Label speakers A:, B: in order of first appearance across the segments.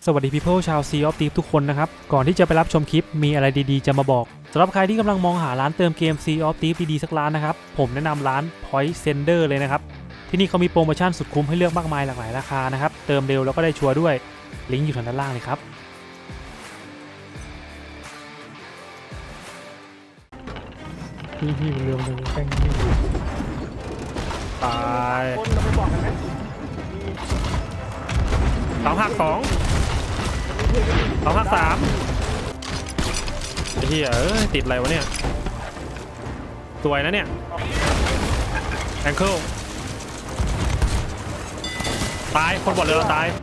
A: สวัสดี people ชาว Sea of Thieves ทุกคนนะครับก่อนที่จะไปรับชมคลิปมีอะไรดีๆจะมาบอกสำหรับใครที่กำลังมองหาร้านเติมเกม Sea of Thieves ดีๆสักร้านนะครับผมแนะนำร้าน Point Sender เลยนะครับที่นี่เขามีโปรโมชั่นสุดคุ้มให้เลือกมากมายหลากหลายราคานะครับเติมเร็วแล้วก็ได้ชัวร์ด้วยลิงก์อยู่ทางด้านล่างเลยครับ
B: พี่เรือมันแป้งที่อยู่
A: ตาย
C: คนเราไปบอกกันไหม
A: 2 หัก 2 2 หัก 3ไอ้เหี้ยติดอะไรวะเนี่ยสวยนะเนี่ยแองเคิลตายคนบอดเรือเราตาย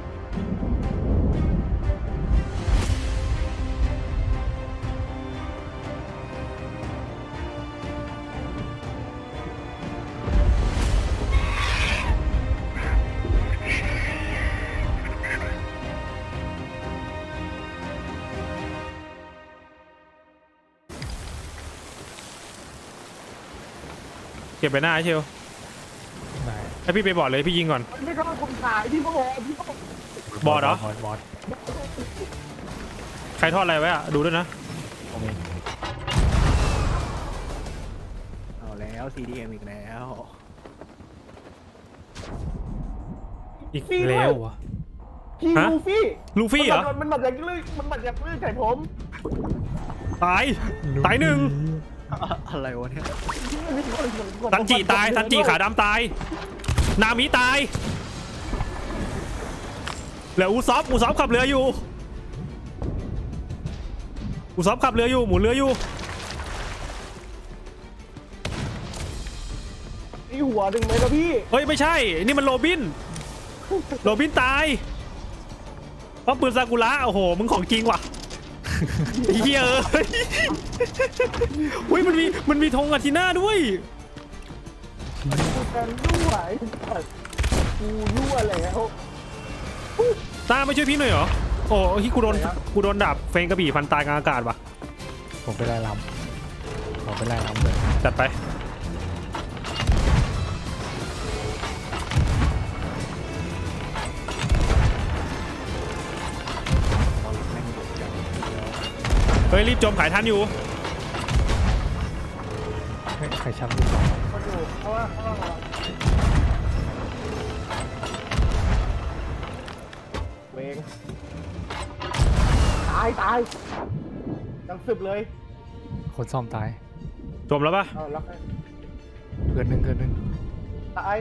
A: เก็บไปหน้าเชียว
B: ไหน
A: ให้พี่ไปบอดเลยพี่ยิงก่อน
C: ไม่ต้องคนขายพี่ก็บอกพี่ก็บอก
A: บอดเหรอ
B: บอด
A: ใครทอดอะไรไว้อะดูด้วยนะ
B: ผมเอง
C: เอาแล้ว CDM อีกแล้ว
A: อีกแล้ววะ
C: พี่
A: ฮะ
C: ลูฟี่
A: ลูฟี่เหรอ
C: มันบัดจากลื่นมันบัดจากลื่นใส่ผม
A: ตายตายหนึ่ง
C: อะไรวะเนี่ย
A: ซันจิตายซันจิขาดำตายนามิตายเหลืออูซอฟขับเรืออยู่อูซอฟขับเรืออยู่หมุนเรืออยู่
C: อีหัวหนึ่งไหมล่ะพี่
A: เฮ้ยไม่ใช่นี่มันโรบินตายเพราะปืนซากุระโอ้โหมึงของจริงว่ะเฮียอุ้ยมันมีธงอาทิน่าด้วย
C: กันรั่วกูรั่วแล้ว
A: ตาไม่ช่วยพี่หน่อยเหรอโอ้ที่กูโดนดาบเฟงกระบี่พันตายกลางอากาศว่ะ
B: ผมไปไล่ลำผมไปไล่ลำเลย
A: จัดไปเฮ้ยรีบจมขายทันอยู่
B: ใครชักลูกศร
C: มันอยู่เพราะว่าเวงตายยังสึบเลย
B: คนซ่อมตาย
A: จมแล้วปะ
C: เอาแล้ว
B: เกินหนึ่ง
C: ตาย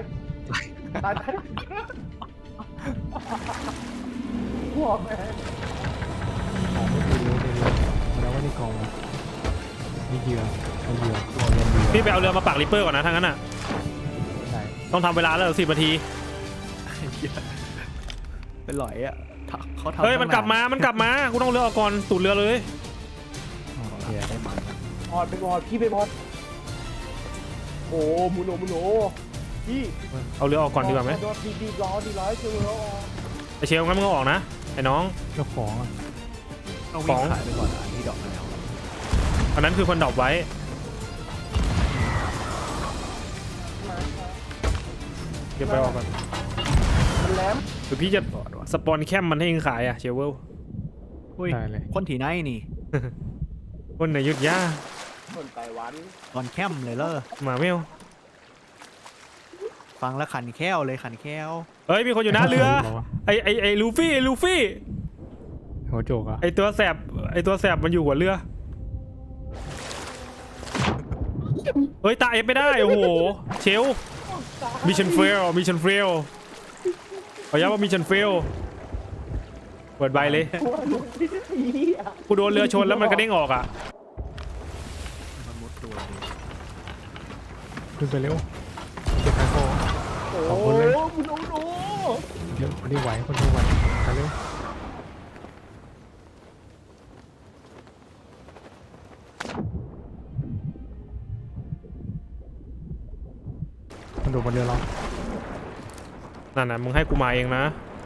C: หัวแม่
B: ของไม่คือเรือแล้วว่านี่กองมีเหยื่อเอาเหยื่อตัวเรียนเหยื่อ
A: พี่ไปเอาเรือมาปักริปเปอร์ก่อนนะทั้งนั้นอ่ะ
B: ไหน
A: ต้องทำเวลาแล้ว10 นาที
C: เป็นหลอยอ่ะเขาทำ
A: เฮ้ยมันกลับมากูต้องเรือออกก่อนตูดเรือเลย
B: โอเคได้มัน
C: บอดไปบอดพี่ไปบอดโอ้มูโนพี่
A: เอาเรือออกก่อนดีกว่าไหม
C: ดีร้อนเจอแล้ว
A: ไอเชลงั้นมึงเอาออกนะไอ้น้อง
B: เจ้าของอ่ะ
C: ต้องวิ่งขายไปก่อนอันที่ดอกแล้ว
A: อันนั้นคือคนดรอปไว้เก็บไปออกก่อน
C: มันแหลม
A: หรือพี่จะสปอนแคมมันให้เองขายอะเชลเวล
B: ได้เลย
D: คนที่ไหนนี่
A: คนในยุทธยา
C: คนไต้หวัน
D: ตอนแคมเลยเลอ
A: หมาเมล
D: ฟังแล้วขันแค้วเลยขันแค้ว
A: เฮ้ยมีคนอยู่หน้าเรือไอลูฟี่
B: หัวโจกอ่ะ
A: ไอตัวแสบมันอยู่หัวเรือเฮ้ยตายไม่ได้โอ้โหเชลมิชชั่นเฟลขอย้ำว่ามิชชั่นเฟลเปิดใบเลยกูโดนเรือชนแล้วมันกระเด้งออกอ่ะ
D: มันมุดตัวดิ
B: ขึ้นไปเร็วเก็บไฟโฟ
C: โอ้โหมูโน
B: เดี๋ยวคนที่ไหวไปเร็วมันโดดบนเรือเรา
A: นั่นน่ะมึงให้กูมาเองนะ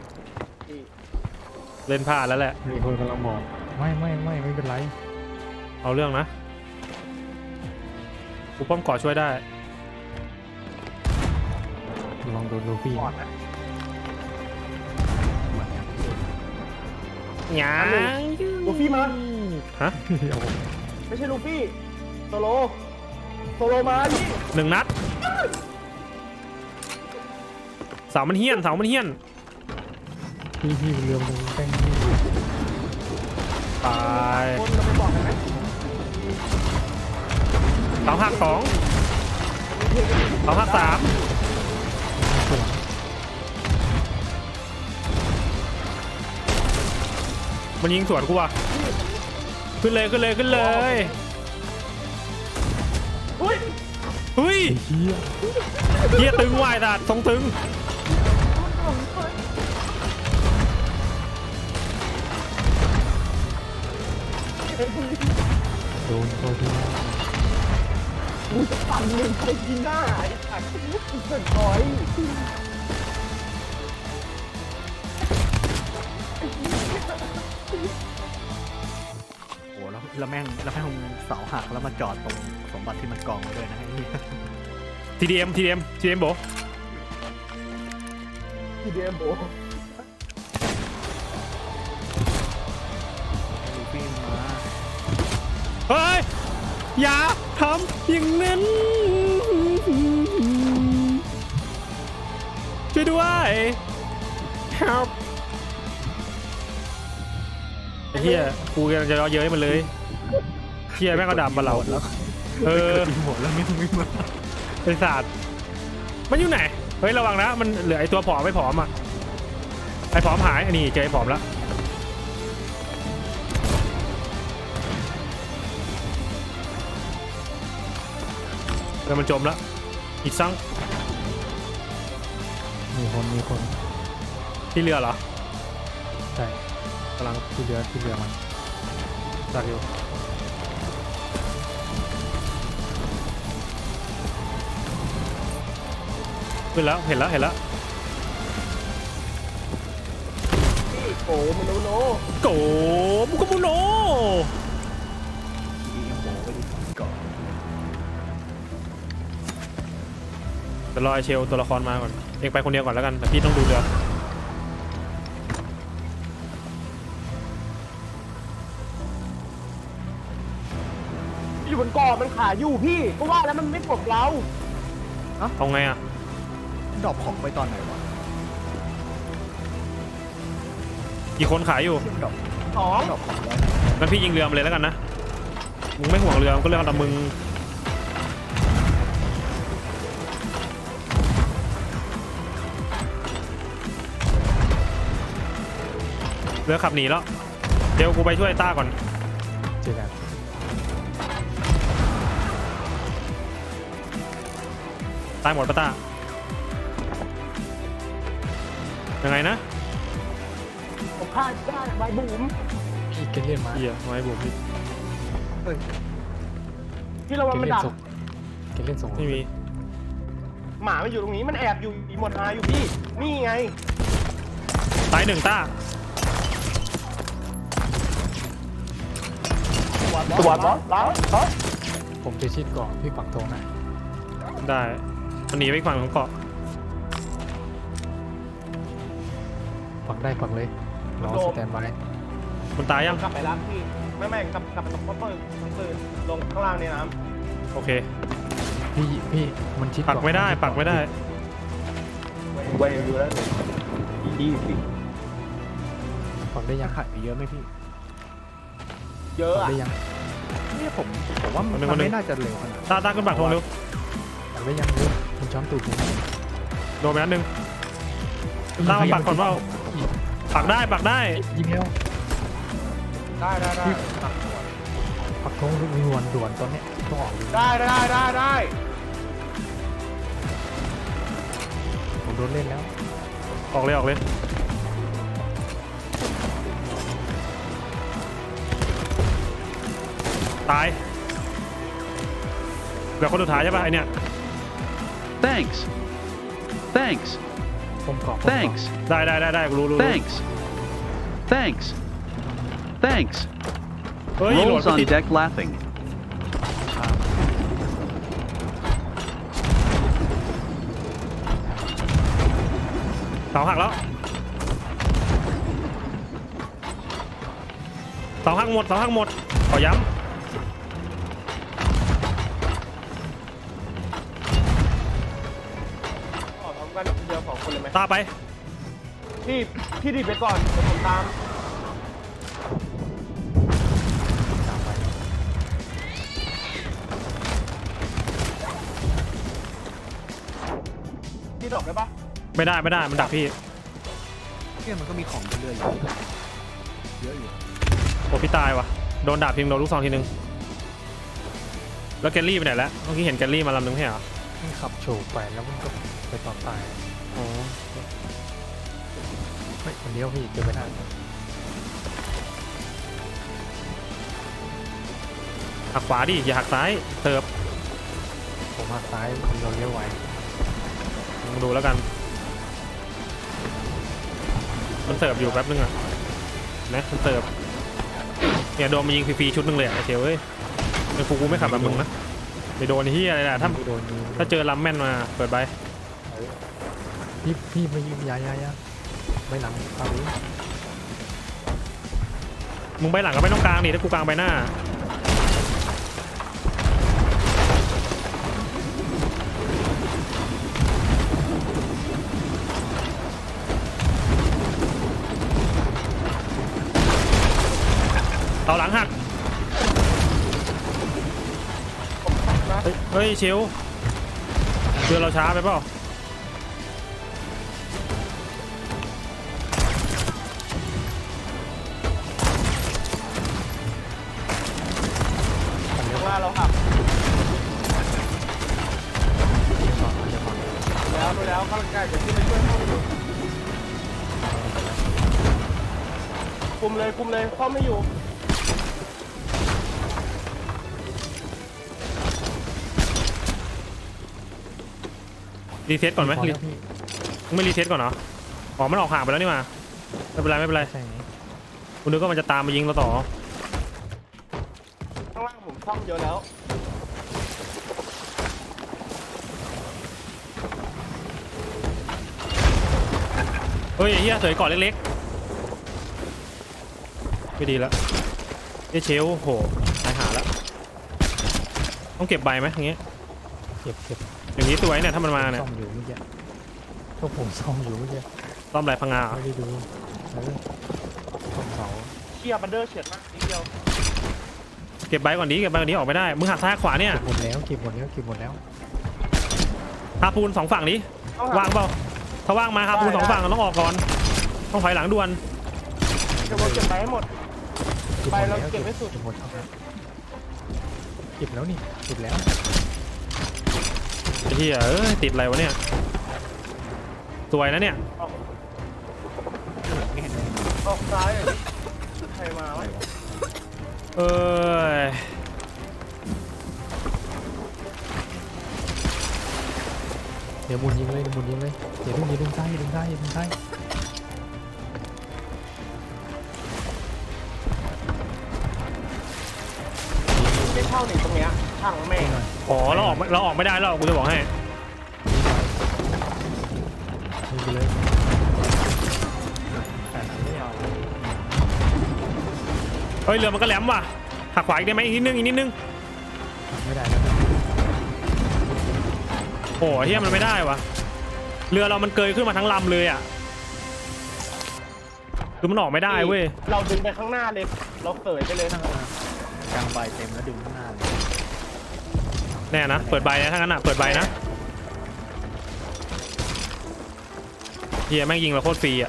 A: เล่นพลาดแล้วแหละ
B: มีคนกำลังบอกไม่เป็นไร
A: เอาเรื่องนะกูป้อมก่อช่วยได้
B: ลองโดนลูฟี่
C: บอดนะ
A: หยา
C: ลูฟี่มา
A: ฮะ
B: เอาผม
C: ไม่ใช่ลูฟี่โซโลมาพี่
A: 1 นัดเสามันเฮี้ยน
B: พี่เรือมันแป้งพี่
A: ตาย
C: คนเราไปบอกกันไหม
A: เสาหัก2เสาหัก3
B: สวน
A: มันยิงสวนกูว่ะขึ้นเลย
C: อุ้ย
A: เฮ้ย
B: ไอ้เหี้ย
A: เฮียตึงว่ายตัดทรงตึง
B: โดนตัวที่
C: กูจะปั่นหนึ่งไปกินหน้าไอ้สัตว์กูเกิดร้อย
D: โอ้แล้วแม่งเสาหักแล้วมาจอดตรงสมบัติที่มันกองไว้ด้วยนะไอ้เหี้ย
A: TDM โบ
C: ทีเดียมโบ
D: ลูฟี่มา
A: เฮ้ย อย่าทำอย่างนั้นช่วยด้วย help ไอ้เฮียกูกำลังจะเย้ยมันเลยเฮียแม่งก็ดับมาเรา
D: แล้ว
A: เออ
D: หมดแล้วไม่มา
A: ไอ้สัตว์มันอยู่ไหน เฮ้ยระวังนะมันเหลือไอ้ตัวผอมไม่ผอมอ่ะไอ้ผอมหายอันนี้เจอไอ้ผอมแล้วแล้วมันจมแล้วอีกซัง
B: มีคน
A: ที่เรือเหรอ
B: ใช่กำลังที่เรือมันจากอยู่
A: ขึ้นแล้วเห็นแล้ว
C: โอ้มันโน
A: โกมุกมุโน
D: ดีเอ็มโบไปดิก่อน
A: จะรอไอเชลตัวละครมาก่อนเองไปคนเดียวก่อนแล้วกันแต่พี่ต้องดูเรือ
C: อยู่บนเกาะมันขาอยู่พี่ก็ว่าแล้วมันไม่ปลดเรา
A: เอาไงอ่ะ
D: ดรอปของไปตอนไหนวะ
A: กี่คนขายอยู่
D: ดรอป
C: สอง
D: ดรอปของไว้
A: งั้นพี่ยิงเรือมาเลยแล้วกันนะมึงไม่ห่วงเรือมันก็เรื่องของมึงเรือขับหนีแล้วเดี๋ยวกูไปช่วยต้าก่อน
B: เจอกัน
A: ตายหมดปะต้ายังไงนะ
C: ผมฆ่าได้ใบบุ๋ม
B: พี่เกเลียนมา
A: เหี้ยไว้บุ๋มพี่
C: ที่เรา
B: เก
C: มัน
B: เลียน
C: ดัก
B: ส่งเกเลียนส่ง
A: ไม่มี
C: หมามันอยู่ตรงนี้มันแอบอยู่อีหมดหาอยู่พี่นี่ไง
A: ตาย1ต้า
C: ตรวจบอสแล้ว
B: ผมจะชิดเกาะพี่ปักธงนะ
A: ได้มันหนีไปอีกฝั่งของเกาะ
B: ปักได้ปักเลยรอสแตนบาย
A: มันตายยัง
C: กลับไปรับพี่ไม่กลับไปตรงป้อมปืนลงข้างล่างในน้
A: โอเค
B: พี่มันชิด
A: ปักไม่ได้
B: เาะ
A: ปักไม่ได้
C: ำไว้อยู่แล้วดีสิ
B: ปักได้ยัง
D: ขายไปเยอะไหมพี่
C: เยอะ
B: ปัก
C: อ่ะ
B: ได้ยัง
D: เนี่ยผมว่ามัน
A: คนหนึ่ง
D: ไม่น่าจะเร็วขนาดนั้น
A: ต้าขึ้นปักธงเร็ว
B: ปักได้ยังเลยมันช้อนตูดผม
A: โดนไปนัดหนึ่งต้ามาปักก่อนว่าปักได้
B: ยิงแล้ว
C: ได้
B: ปักธงด่วนตอนเนี้ยต้องออกเลย
C: ได้
B: ผมโดนเล่นแล้ว
A: ออกเลยตายเหลือคนสุดท้ายใช่ป่ะไอเนี่ย
E: Thanks. Thanks.
B: ผมเกาะ
E: Thanks.
A: ได้กูรู้
E: Thanks. Thanks. Thanks.
A: เฮ้ยโหลด
E: Rolls
A: ไม่
E: on
A: ติด
E: deck laughing.
A: เสาหักแล้วเสาหักหมดเสาหักหมดขอย้
C: ขอพร้อมกันเดียว2 คนเลยไหม
A: ำตาไป
C: พี่ดิบไปก่อนเดี๋ยวผมตาม
B: ตามไป
C: พี่ดอกได้ปะ
A: ไม่ได้มันดักพี่
D: เนี่ยมันก็มีของเรื่อยๆอยู่เยอะอยู่
A: โอ้พี่ตายว่ะโดนดาบพิมพ์โดนลูกซองทีนึงแล้วแกลลี่ไปไหนแล้วเมื่อกี้เห็นแกลลี่มาลำนึงไม่ใช่เหรอ
B: มันขับโฉบไปแล้วมันก็ไปตอนตาย
A: อ๋อ
B: เฮ้ยคนเดียวพี่เจอไปได้
A: หักขวาดิอย่าหักซ้ายเติบ
B: ผมหักซ้ายเราเลี้ยวไว
A: ลองดูแล้วกันมันเติบอยู่แป๊บนึงอ่ะนะมันเติบเนี่ยโดนมายิงฟรีๆชุดนึงเลยอ่ะไอ้เทียวเอ้ยไอ้ฟูกูไม่ขับแบบมึงนะไปโดนไอ้เฮียอะไรล่ะถ้า
B: ไม่โดนยิง
A: ถ้าเจอลำแม่นมาเปิดใบ
B: พี่มายิงยาไม่หลังตามนี้
A: มึงไปหลังก็ไม่ต้องกลางดิถ้ากูกลางไปหน้าเอาหลังหักเฮ้ยเชลเรือเราช้าไปเปล่า
C: ข้างหน้าเราหัก แล้วข้างใกล้จะขึ้นไปช่วยเข้าอยู่คุมเลยเข้าไม่อยู่
A: รีเซ็ตก่อนไหม
B: พอแล้วพี่
A: มึงไม่รีเซ็ตก่อนเหรออ๋อมันออกห่างไปแล้วนี่มาไม่เป็นไร
B: ใช่ไหม
A: กูนึกว่ามันจะตามมายิงเราต่อ
C: ข้างล่างผมซ่อมเยอะแล้ว
A: เฮ้ยไอ้เฮียเสยก่อนเล็กๆไม่ดีแล้วไอ้เชลโหตายหาแล้วต้องเก็บใบไหมอย่างเงี้ย
B: เก็บ
A: อย่างนี้ตัวไอ้เนี่ยถ้ามันมาเนี่ย
B: ซ่อมอยู่เมื่อกี้พวกผมซ่อมอยู่เมื่อกี้
A: ต้อมไรพังงา
B: ไม่ได้ดูซ่อมเสา
C: เชียร์บันเดอร์เฉียดมากนิดเดียว
A: เก็บใบก่อนดีออกไม่ได้มึงหักซ้ายขวาเนี่ย
B: เก็บหมดแล้ว
A: ฮาปูน2ฝั่งนี้ว่างเปล่าถ้าว่างมาฮาปูน2ฝั่งต้องออกก่อนต้องถอยหลังด่วน
C: เดี๋ยวเราเก็บไปให้หมด ไปเราเก็บไว้สุด
B: เก็บหมดครับเก็บแล้วนี่เก็บแล้ว
A: ไอ้เฮียติดอะไรวะเนี่ยสวยนะเนี่ย
C: ออกซ้ายเลยใครมาวะ
A: เอ้ย
B: เดี๋ยวหมุนยิงเลยเดี๋ยวเดึงซ้ายดึงซ้าย
C: ไม่เข้าหนิตรงเนี้ยช่างแม่ง
A: อ๋อเราออกไม่ได้แล้วกูจะบอกให้
B: ยิงไปเลย
D: แต่นั้นไม่เอา
A: เฮ้ยเรือมันก็แหลมว่ะหักขวาอีกได้ไหมอีกนิดนึง
B: ไม่ได้แล้ว
A: โอ้เฮียมันไม่ได้วะเรือเรามันเกยขึ้นมาทั้งลำเลยอ่ะคือมันออกไม่ได้เว้ย
C: เราดึงไปข้างหน้าเลย เราเสยไปเลย
D: กลางใบเต็มแล้วดึงข้างหน้าเลย
A: แน่นะเปิดใบนะถ้างั้นอ่ะเปิดใบนะเฮียแม่งยิงเราโคตรฟรีอ่ะ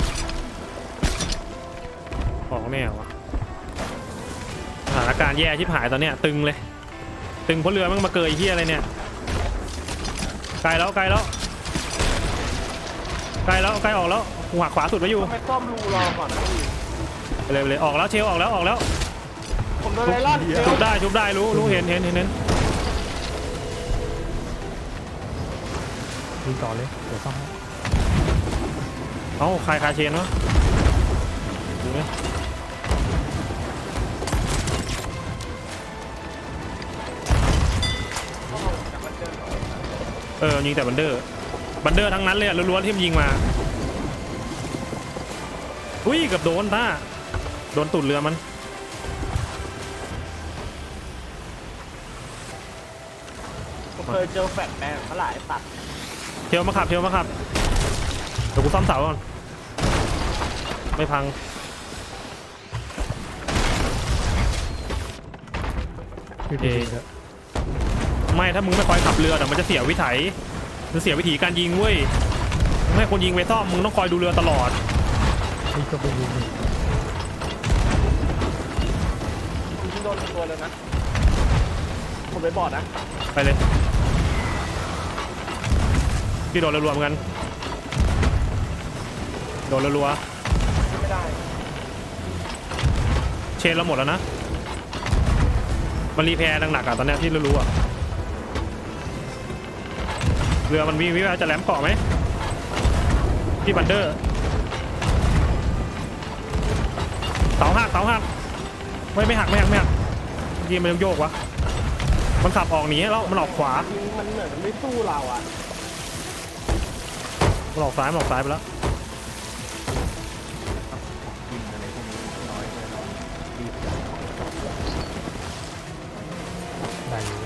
A: ออกแน่วะสถานการณ์แย่ชิบหายตอนเนี้ยตึงเลยตึงเพราะเรือแม่งมาเกยเฮียอะไรเนี่ยไกลแล้วใกล้ออกแล้วกูหักขวาสุดไว้อยู่
C: ทำไมซ่อมรูรอก่อนนะพี่
A: ไปเลยออกแล้วเชลออกแล้ว
C: ผมโดนไล่ล่าเดี๋ยว
A: ชุบได้รู้เห็น
B: ยิงต่อเลยเดี๋ยวซ่อมให้
A: เอ้าคาเชนวะดูไหมยิงแต่บันเดอร์ทั้งนั้นเลยอะล้วนๆที่มันยิงมาอุ้ยเกับโดนต้าโดนตุ่นเรือมัน
C: เคยเจอแฟลชแบงเท่าไหร่ตัด
A: เทียวมาขับเดี๋ยวกูซ่อมเสาก่อนไม่พัง
B: พี่ดีแล้ว
A: ไม่ถ้ามึงไม่คอยขับเรือเดี๋ยวมันจะเสียวิถีมันเสียวิธีการยิงเว้ยมึงให้คนยิงไปซ่อมมึงต้องคอยดูเรือตลอด
B: นี่ก็ไปยิง
C: คุณโดนตัวเลยนะผมไปบอดนะ
A: ไปเลยพี่โดนรัวๆเหมือนกันโดนรัว
C: ไม่ได้
A: ๆเชนเราหมดแล้วนะมันรีแพร์หนักๆอ่ะตอนเนี้ยที่รู้ๆอ่ะเรือมันมีวิวจะแหลมเกาะไหมพี่บันเดอร์เสาหักไม่หักยิงมันโยกวะมันขับออกหนีแล้วมันออกขวา
C: มันเหมือนมันไม่สู้เราอ่ะ
A: มันออกซ้ายไปแล้ว
D: ยิงอะไรพวกนี้น้อยเลยเรารีบจัด
B: ได้อยู่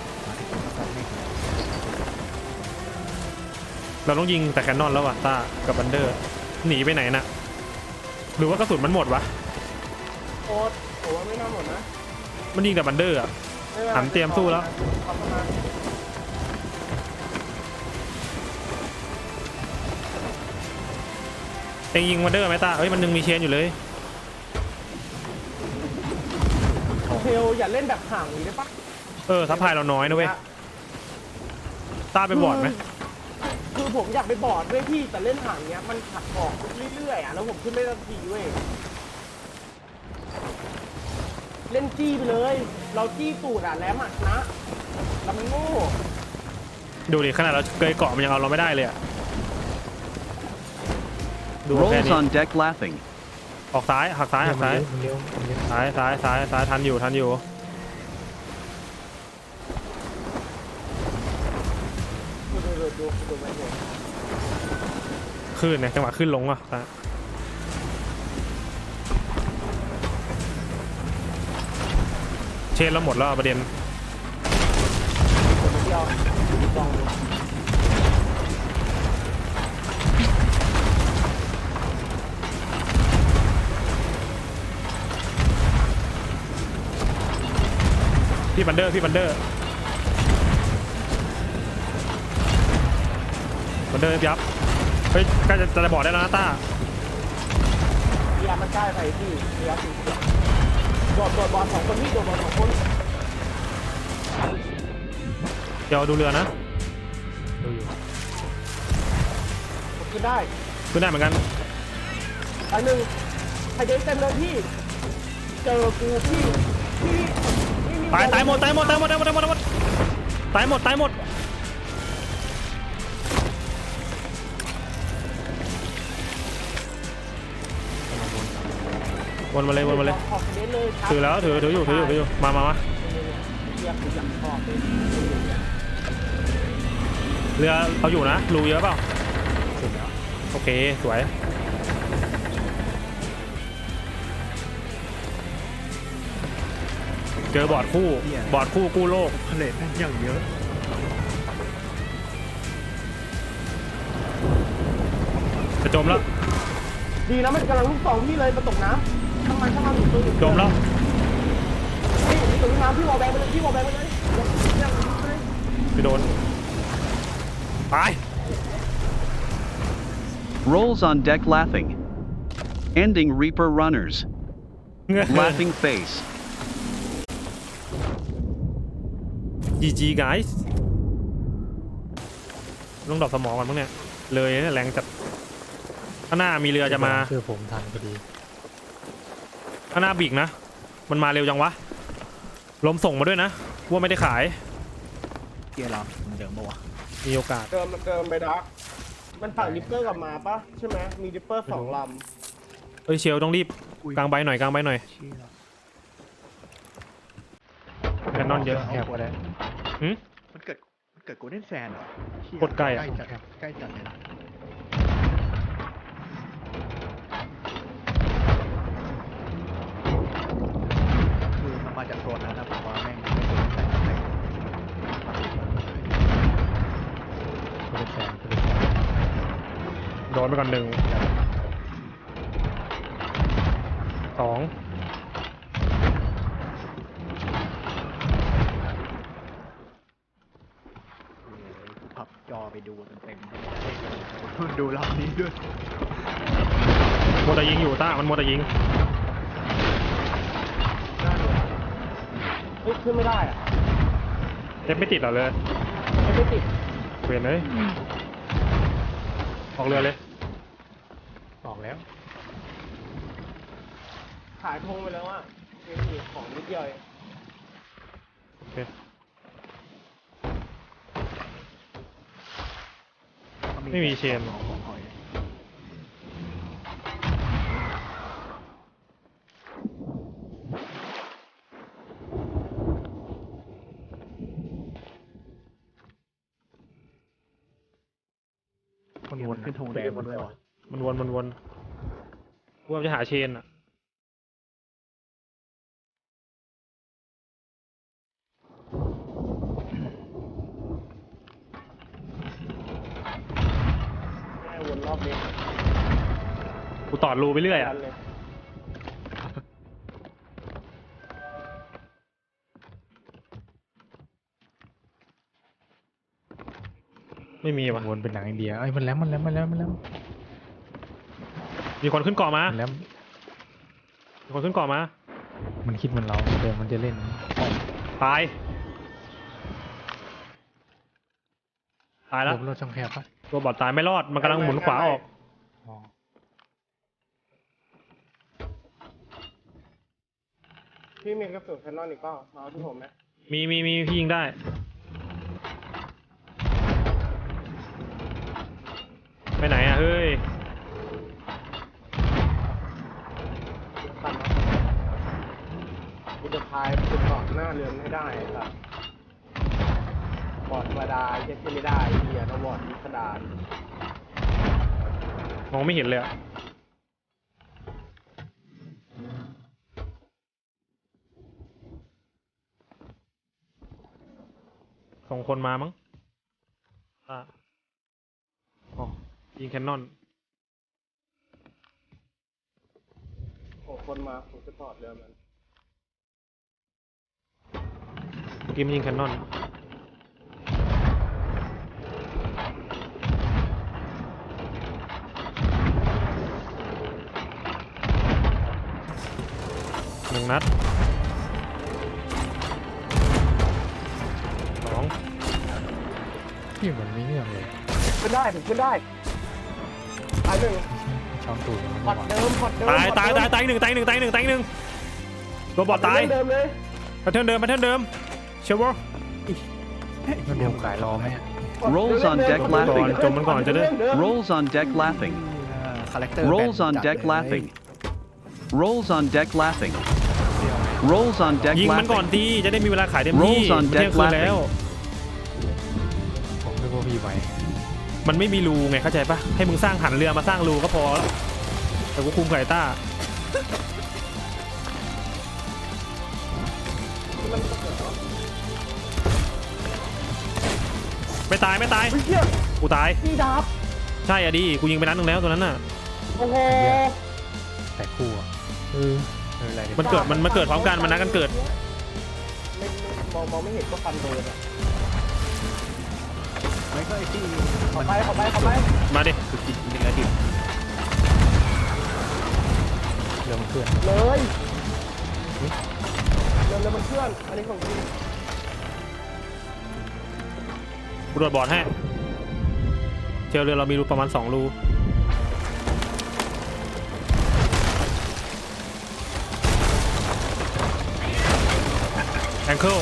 A: เราต้องยิงแต่แคนนอนแล้วว่ะต้ากับบันเดอร์หนีไปไหนน่ะหรือว่ากระสุนมันหมดวะ
C: โค้ดผมว่าไม่น่าหมดนะ
A: มันยิงแต่บันเดอร์อ่ะ หันเตรียมสู้แล้ว
C: ขอบคุณนะ
A: เองยิงบันเดอร์ไหมต้าเอ้ยมันยังมีเชนอยู่เลย
C: เทลอย่าเล่นแบบห่างนี้ได้ปะ
A: ทัพพายเราน้อยนะเว้ยต้าไปบอร์ดไหม
C: คือผมอยากไปบอร์ดด้วยพี่แต่เล่นห่างเนี้ยมันขัดออกเรื่อยๆอ่ะแล้วผมขึ้นไม่ได้ทีเว้ยเล่นจี้ไปเลย เราจี้ตูดอ่ะแล้วอ่ะนะแล้วมันโง่
A: ดูดิขนาดเราเกยเกาะมันยังเอาเราไม่ได้เลยอ่ะดูแค่
E: Rolls
A: นี้
E: on deck laughing.
A: ออกซ้ายหักซ้าย
B: มันเลี้ยว
A: ซ้ายทันอยู่
C: ดูไม่เห็น
A: ขึ้นเนี่ยจังหวะขึ้นลงอ่ะเชนเราหมดแล้วประเด็น
C: คนเดียวลองดู
A: พี่บันเดอร์ยับเฮ้ยใกล้จะบอกได้แล้วนะต้า
C: เรียมันใกล้ไปพี่เรียสี่โดดบอลสองคนพี่โดดบอลสองคน
A: เดี๋ยวดูเรือนะ
B: ดูอยู่
C: ขึ้นได้
A: ขึ้นได้เหมือนกัน
C: อันหนึ่งไฮเดนเต็มเลยพี่เจอกูพี่
A: ตายหมดวนมาเลย
C: ขอไฮเดนเลย
A: ถือแล้วถืออยู่มา
C: เรียกอยากชอบเลย
A: เรือเอาอยู่นะรูเยอะเปล่าโอเคสวยเจอบอร์ดคู่กู้โลก
D: เลทแม่งอย่างเยอะ
A: จะจมแล้ว
C: ดีนะมันกำลังลูกสองพี่เลยมาตกน้ำช่างมันอยู่ตัวอยู่
A: จมแล้ว
C: พี่ตกน้ำพี่วอลแบงไปเลย
A: ไปโดนไป
E: Rolls on deck laughing. Ending Reaper runners. Laughing face.
A: GG guys ต้องดรอปสมองก่อนมั้งเนี่ยเลยเนี่ยแรงจัดข้างหน้ามีเรือจะมา
B: คือผมทันพอดี
A: ข้างหน้าบีกนะมันมาเร็วจังวะลมส่งมาด้วยนะว่าไม่ได้ขาย
D: เกียร์เราเหมือนเดิมปะวะ
A: มีโอกาส
C: เกิมไปดักมันฝั่งดิปเปอร์กลับมาปะใช่ไหมมีดิปเปอร์สองล
A: เอ้ยเชลต้องรีบกลางใบหน่อย
D: เชี่ย
A: แคนนอนเยอะ
B: แอบก็ได้
D: มันเกิดโกลเด้นแซนเหรอเชี่ย
A: โคตรใกล้อะ
D: ใกล้จัดเลยนะคือมันมาจากโซนนั้นนะผมว่าแม่งไม่โกลเด้นแซนเลย
B: โดนไปก่อน1 2
D: พับจอไปดูเต็มๆดูรอบนี้ด้วย
B: โมวแต่ยิงอยู่ต้ามันโมวแต่ยิง
C: เฮ้ยขึ้นไม่ได้อะ
B: เจ็บไม่ติดเหรอเลย
C: ไม่ติด
B: เวียนเลยออกเรือเลยออกแล้ว
C: ขายธงไปแล้วอ่ะมีของนิดเดียวเอง
B: โอเค ไม่มีเชน
D: ของหอย
B: มันวน
D: ขึ้นธงแดงมาด้วยวะ
B: มันวนกูว่าจะหาเชนอ่ะ
C: ให้วนรอบนี้
B: กูตอดรูไปเรื่อยอ่ะ
C: เลย
B: ไม่มีว่ะ
F: วนเป็นหนังอินเดียเอ้ยมันแหลม
B: มีคนขึ้นเกาะมา
F: มันแหลม
B: มีคนขึ้นเกาะมา
F: มันคิดเหมันเราเดี๋ยวมันจะเล่น
B: ตายแล้ว
F: รถช่องแคบปะ
B: ตัวบอดตายไม่รอดมันกำลังหมุนขวาออก
F: อ๋อ
C: พี่มีกระสุนแคนนอนอีกเปล่ามาเอาที่ผมไหม
B: มีพี่ยิงได้ไปไหนอ่ะเฮ้ย
C: ตันนะกูจะพายขึ้นเกาะหน้าเรือนให้ได้ครับบอดธรรมดาเย็ดขึ้นไม่ได้เหี้ยต้องบอดวิสดาร
B: มองไม่เห็นเลยอะส่งคนมามั้งอ๋อยิงแคนนอน
C: โอ้คนมาผมจะถอดเรือมัน
B: เมื่อกี้มันยิงแคนนอน1 นัด 2
F: พี่มันไม่เนื่องเลย
C: ขึ้นได้ถึงขึ้นได้ตายหนึ่ง
F: ช้อนตูดมัน
C: พอ
F: ไม่
C: ด
F: ไหว
C: เดิมพอดเดิม
B: ตายตายหนึ่งตัวบอดตาย
C: เดิมเลย
B: แพทเทิร์นเดิมเชลวอร์
F: มันรวมขายรอไหมอะ
E: Rolls on deck
B: ก่อน
E: laughing.
B: จมมันก่อนจะได้
E: Rolls on deck laughing.
D: คาแรคเตอร์
E: Rolls on deck laughing. Rolls on deck laughing. Rolls on deck
B: ยิงมันก่อน
E: laughing.
B: ดีจะได้มีเวลาขายเต็มที่
E: Rolls on
B: มันเที่ยง
E: deck
B: คืนแล้ว
F: ผมนึกว่าพี่ไหว
B: มันไม่มีรูไงเข้าใจปะให้มึงสร้างหันเรือมาสร้างรูก็พอแล้วแต่กูคุมไก่ต้าไม่ตาย
C: เฮีย
B: กูตาย
C: พี่ดับ
B: ใช่อะดิกูยิงไปนัดนึงแล้วตัวนั้นน่ะ
C: โอ้โห
F: แต่คู่อะอะไรเนี่ย
B: มันเกิดพร้อมกันมันนัดกันเกิด
C: ไม่มองไม่เห็นก็ฟันโดนอ่ะ
D: ไม่ก็ไอ้ที่
C: ขอไป
B: มาดิ
D: คือกินเนื้อดิบ
F: เรือมันเคลื่อน
C: เลยเรือมันเคลื่อนอันนี้ของจริง
B: กูโดดบอร์ดให้เจลเรือเรามีรูประมาณ2 รูแองเคิล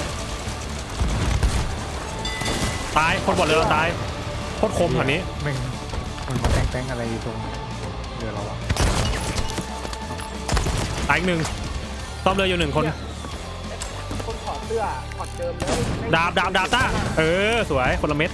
B: ตายคนบอร์ดเรือเราตายโคตรคมแถวนี้
F: แม่งมันมาแต้งอะไรอยู่ตรงเรือเราอะ
B: ตายอีก 1ซ่อมเรืออยู่1 คน
C: คนถอดเสื้อถอดเดิมเลย
B: ดาบต้าสวยคนละเม็ด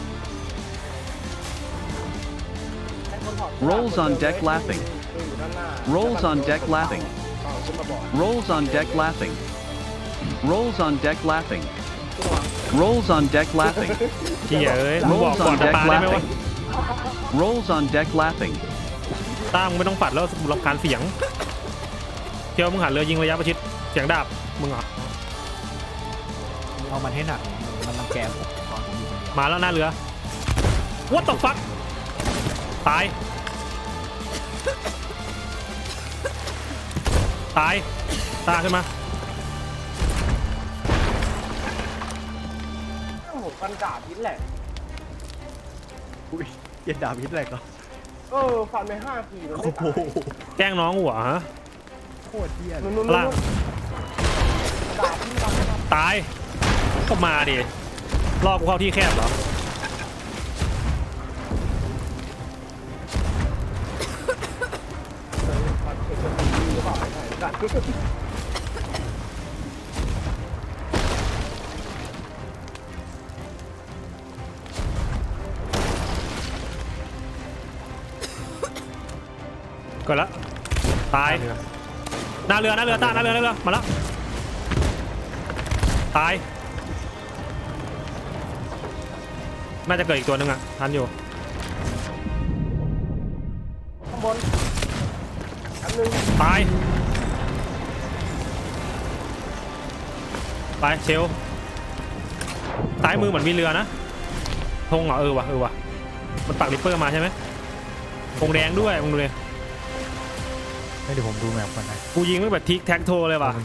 E: Rolls on deck laughing. Rolls on deck laughing. Rolls on deck laughing. Rolls on deck laughing. Rolls on deck laughing.
B: เหี้ยมึงบอก
E: Rolls
B: ก่อน
E: on
B: จะ
E: deck
B: ปาได้ไหมวะ
E: laughing. Rolls on deck laughing.
A: ต้ามึงไม่ต้องปัดแล้วรำคาญเสียงเที่ยวมึงหันเรือยิงระยะประชิดเสียงดาบมึงเหรอ
D: เอามันให้หนักมันรังแกผมตอนผมอยู่คนเดียว
A: มาแล้วหน้าเรือ What the fuck ตายตายตาขึ้นมา
C: ผมฟันดาบพิษแหละ
D: อุ้ยเย็นดาบพิษแหลกเหรอ
C: ฟันไป5 ทีมัน
D: โอ้
C: ไม่
D: โห
C: ตาย
A: แกล้งน้องหัวฮะ
D: โคตรเยี่ยน
C: นู่น
A: ล่าง
C: ดาบที่ฟันนะครับ
A: ตายก็มาดิลอกกูเข้าที่แคบเหรอ
C: ฟันเอกสีหรือเปล่าไม่ใช่กัน
A: ก็แล้วตาย
B: เรือ
A: หน้าเรือต้าหน้าเรือมาแล้วตายน่าจะเกิดอีกตัวหนึงอ่ะทันอยู่
C: ข้างบนอันนึง
A: ตายไปเชลซ้ายมือเหมือนมีเรือนะธงเหรอเออว่ะมันปักริปเปอร์มาใช่ไหมธงแดงด้วยมึงดูเลย
F: ให้เดี๋ยวผมดูแมปก่อนนะ
A: กูยิงไม่แบบทิกแท็กโทเลยว่ะ